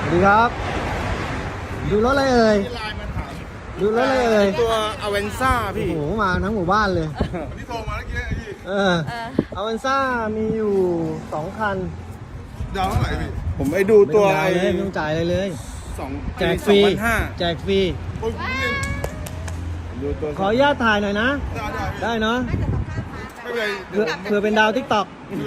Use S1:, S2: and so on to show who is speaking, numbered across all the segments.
S1: สวัสดีครับดูรถอะไรเอ่ยดูรถอะไรเอ่ย
S2: ตัวอเวนซ่า
S1: โอ้
S2: พี่
S1: โหมาทั้งหมู่บ้านเลย
S2: ที่โทรมาเมื่อกี้พี่
S1: อเวนซ่ามีอยู่2 คัน
S2: ดาวเท่าไหร่พี่ผมไปดูตัว
S1: ไม่ต้องจ่ายเลย
S2: สอง
S1: แจกฟรี
S2: 2,500
S1: แจกฟรี
S2: โอ้ยดูตัว
S1: ขออนุญาตถ่ายหน่อยนะ
S2: ได้
S1: ได้เนาะ
S2: ไม่เป็นไร
S1: เผื่อเป็นดาวทิกตอก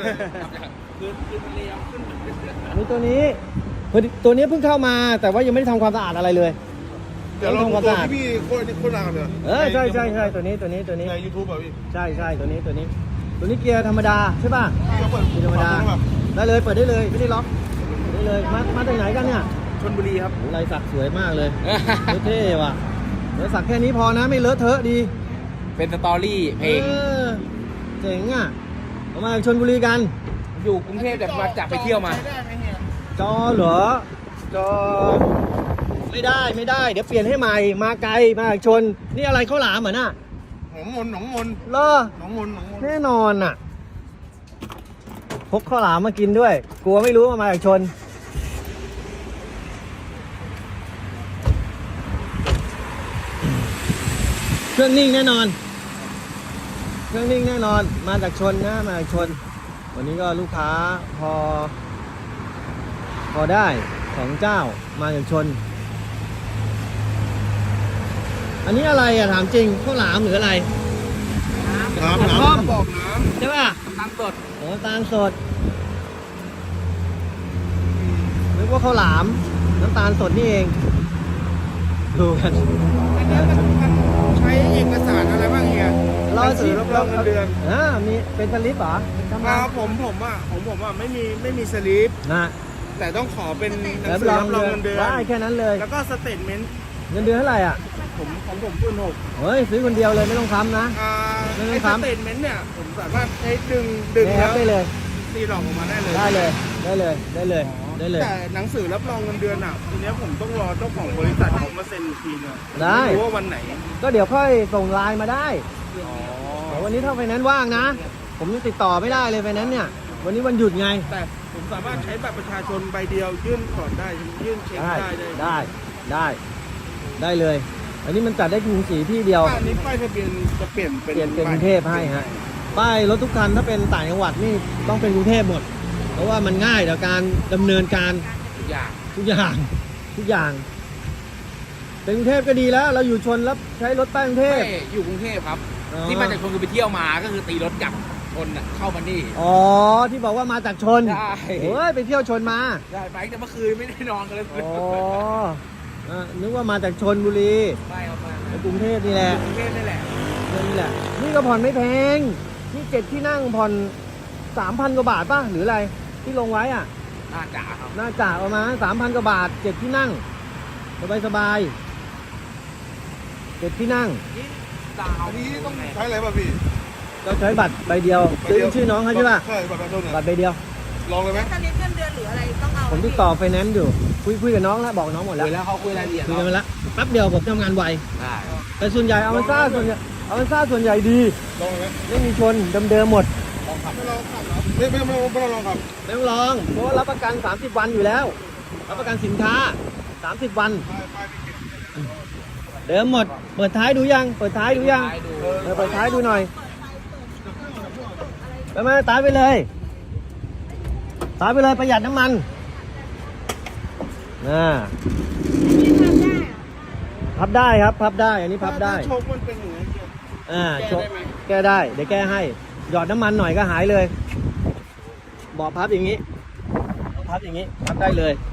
S1: มีตัวนี้ตัวนี้เพิ่งเข้ามาแต่ว่ายังไม่ได้ทำความสะอาดอะไรเลย
S2: เดี๋ยวเราดูตัวที่พี่โคตรดังเลย
S1: ใช่ตัวนี้
S2: ใน YouTube อ่ะพี่
S1: ใช่ตัวนี้เกียร์ธรรมดาใช่ป่ะ
S2: เปิด
S1: เกียร์ธรรมดาได้เลยเปิดได้เลยไม่ได้ล็อกได้เลยมาจากไหนกันเนี่ย
S2: ชลบุรีครับ
S1: ลายสักสวยมากเลยเท่ว่ะลายสักแค่นี้พอนะไม่เลอะเทอะดี
S3: เป็นสตอรี่เพลง
S1: เจ๋งอ่ะเรามาจากชลบุรีกัน
S3: อยู่กรุงเทพแต่มาจากไปเที่ยวมา
S1: จอเหรอจอไม่ได้เดี๋ยวเปลี่ยนให้ใหม่มาไกลมาจากชนนี่อะไรข้าวหลามเหรอน่ะ
S2: หนองมน
S1: เหรอแน่นอนอ่ะพกข้าวหลามมากินด้วย กลัวไม่รู้ว่ามาจากชนเครื่องนิ่งแน่นอนมาจากชนนะมาจากชนวันนี้ก็ลูกค้าพอได้2 เจ้ามาจากชนอันนี้อะไรอ่ะถามจริงข้าวหลามหรืออะไร
S2: น้ำบอกน้
S1: ใช่ป่ะ
S3: น้ำสด
S1: โอ้ตาลสดนึกว่าข้าวหลามน้ำตาลสดนี่เองดูกัน
S2: ำอันนี้มันใช้เอกสารอะไรบ้างเฮีย
S1: รอสิ
S2: รับรองเงินเดือน
S1: มีเป็นสลิปเหรอทำงาน
S2: ผมไม่มีสลิป
S1: นะ
S2: แต่ต้องขอเป็นหนังสือรับรองเงินเดือน
S1: ได้แค่นั้นเลย
S2: แล้วก็สเตทเมนต์
S1: เงินเดือนเท่าไหร่อ่ะ
S2: ของผมคูณ6
S1: เฮ้ยซื้อคนเดียวเลยไม่ต้องทำนะ
S2: ไอ้สเตทเมนต์เนี่ยผมสามารถใช้ดึง
S1: ในแอ
S2: แล้
S1: ป
S2: ว
S1: ได้เลย
S2: ตีหลอกออกมาได้เลย
S1: ได้เลย
S2: แต่หนังสือรับรองเงินเดือนอ่ะทีเนี้ยผมต้องรอเจ้าของบริษัทเขามาเซ็นอีกทีนึง
S1: ได้
S2: ไม่รู้ว่าวันไหน
S1: ก็เดี๋ยวค่อยส่งไลน์มาได้แต่วันนี้ถ้าไฟแนนซ์ว่างนะ ผมยังติดต่อไม่ได้เลยไฟแนนซ์เนี่ยวันนี้วันหยุดไง
S2: แต่ผมสามารถใช้บัตรประชาชนใบเดียวยื่นก่อนได้ยื่นเช็คได้
S1: เลย อันนี้มันจัดได้กรุงศรีที่เดียว
S2: อันนี้ป้ายทะเบียนจะเปลี่ยนเป็น
S1: กรุงเทพให้ฮะป้ายรถทุกคันถ้าเป็นต่างจังหวัดนี่ต้องเป็นกรุงเทพหมด เพราะว่ามันง่ายต่อการดำเนินการ
S3: ทุกอย่าง
S1: ทุกอย่างเป็นกรุงเทพก็ดีแล้ว เราอยู่ชนแล้วใช้รถป้ายกรุงเท
S3: ไม่
S1: พ
S3: อยู่กรุงเทพครับ
S1: อ๋อ
S3: ที่มาจากชนคือไปเที่ยวมาก็คือตีรถกลับคนน่ะเข้ามานี่
S1: อ๋อที่บอกว่ามาจากชน
S3: ใช่
S1: เฮ้ยไปเที่ยวชนมา
S3: ได้ไปแต่เมื่อคืนไม่ได้นอนกันเลย
S1: อ๋อนึกว่ามาจากชนบุรี
S3: ไม่ครับมา
S1: ในกรุงเทพนี่แหละ
S3: กรุงเทพนี่แหละ
S1: นี่แหละนี่ก็ผ่อนไม่แพงนี่7 ที่นั่งผ่อน 3,000 กว่าบาทป่ะหรืออะไรที่ลงไว้อ่ะ
S3: น่าจ๋าครับ
S1: น่าจะประมาณ 3,000 กว่าบาท7 ที่นั่งสบาย7 ที่นั่ง
S3: นี่ดาว
S2: อันนี้ต้องใช้อะไรป่ะพี่
S1: ก็ใช้บัตรใบเดียวซื้อชื่อน้องเขาใช่ป่ะ
S2: ใช่บัตรประชาชน
S1: บัตรใบเดียว
S2: ลองเลยไหม
S4: สลิปเงินเดือนหรืออะไรต้องเอา
S1: ผมติดต่อไฟแนนซ์อยู่คุยกับน้องแล้วบอกน้องหมดแล้ว
S3: คุยแล้วเขาคุยรายละเอียด
S1: คุยกันไปแล้วแป๊บเดียวผมทำงานไว
S3: ได้
S1: แต่ส่วนใหญ่เอามันซ่าส่วนใหญ่ดี
S2: ลองเลยไหม
S1: ไม่มีชนเดิมๆหมด
S2: ไม่ลองขับเหรอไม่ลองขับ
S1: ไม่ต้องลองเพราะว่ารับประกัน30 วันอยู่แล้วรับประกันสินค้า30 วันเดิมหมดเปิดท้ายดูยังเปิดท้ายดูยัง
S3: ดู
S1: เปิดท้ายดูหน่อยไปมาตายไปเลยประหยัดน้ำมันพับได้ครับพับได้อันนี้พับได้
S2: โชคมันเป็นอย่างนี้
S1: แก้ได้เดี๋ยวแก้ให้หยอดน้ำมันหน่อยก็หายเลยบอกพับอย่างนี้พับได้เลย